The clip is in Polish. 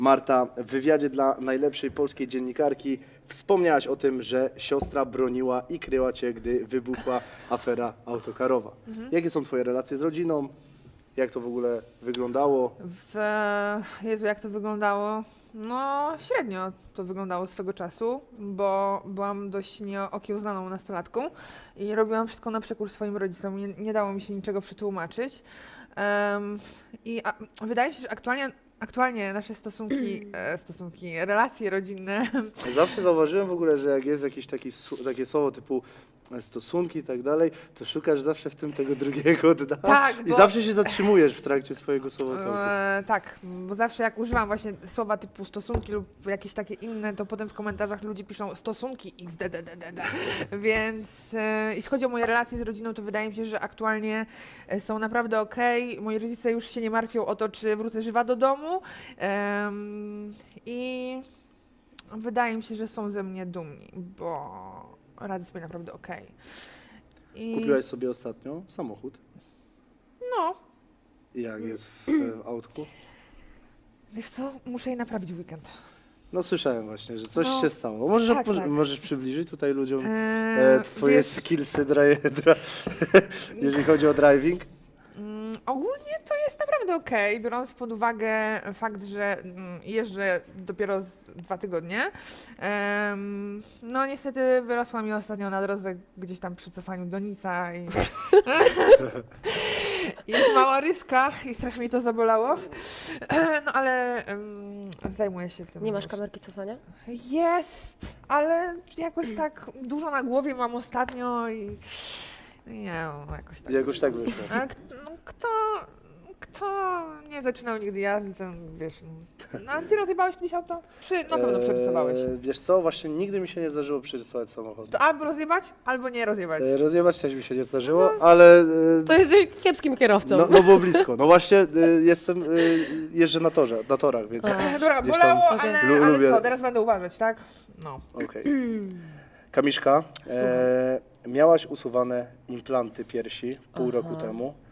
Marta, w wywiadzie dla najlepszej polskiej dziennikarki wspomniałaś o tym, że siostra broniła i kryła cię, gdy wybuchła afera autokarowa. Jakie są twoje relacje z rodziną? Jak to w ogóle wyglądało? Jezu, jak to wyglądało? No, średnio to wyglądało swego czasu, bo byłam dość nieokiełznaną nastolatką i robiłam wszystko na przekór swoim rodzicom. Nie dało mi się niczego przetłumaczyć. Wydaje mi się, że aktualnie nasze relacje rodzinne. Zawsze zauważyłem w ogóle, że jak jest jakieś takie słowo typu stosunki i tak dalej, to szukasz zawsze w tym tego drugiego dna Tak, i bo- zawsze się zatrzymujesz w trakcie swojego słowotoku. Tak, bo zawsze jak używam właśnie słowa typu stosunki lub jakieś takie inne, to potem w komentarzach ludzie piszą stosunki xdddd. Więc jeśli chodzi o moje relacje z rodziną, to wydaje mi się, że aktualnie są naprawdę okej. Moi rodzice już się nie martwią o to, czy wrócę żywa do domu. I wydaje mi się, że są ze mnie dumni, bo radzę sobie naprawdę okej. Kupiłaś sobie ostatnio samochód. No, I jak jest w autku? wiesz co, muszę je naprawić w weekend. No słyszałem właśnie, że coś No, się stało. Możesz, tak, tak. możesz przybliżyć tutaj ludziom twoje Wiesz, skillsy, jeżeli chodzi o driving? Ogólnie to jest naprawdę okej, biorąc pod uwagę fakt, że jeżdżę dopiero 2 tygodnie. No niestety wyrosła mi ostatnio na drodze gdzieś tam przy cofaniu do Nica i jest mała ryska i strasznie mi to zabolało. No ale zajmuję się tym. Nie masz już. kamerki cofania? Jest, ale jakoś tak dużo na głowie mam ostatnio i nie wiem, jakoś tak. Jakoś tak wyszło. A kto nie zaczynał nigdy jazdy, ten wiesz. No, a ty rozjebałeś kiedyś auto? Na pewno przerysowałeś. Wiesz co, właśnie nigdy mi się nie zdarzyło przerysować samochodu. To albo rozjebać, albo nie rozjebać. Rozjebać też mi się nie zdarzyło, ale To jesteś kiepskim kierowcą. no było blisko. No właśnie jeżdżę na torach, więc Dobra, gdzieś tam bolało, Okej. ale lubię. co, teraz będę uważać, tak? No. okej. Kamiszka, miałaś usuwane implanty piersi pół roku temu.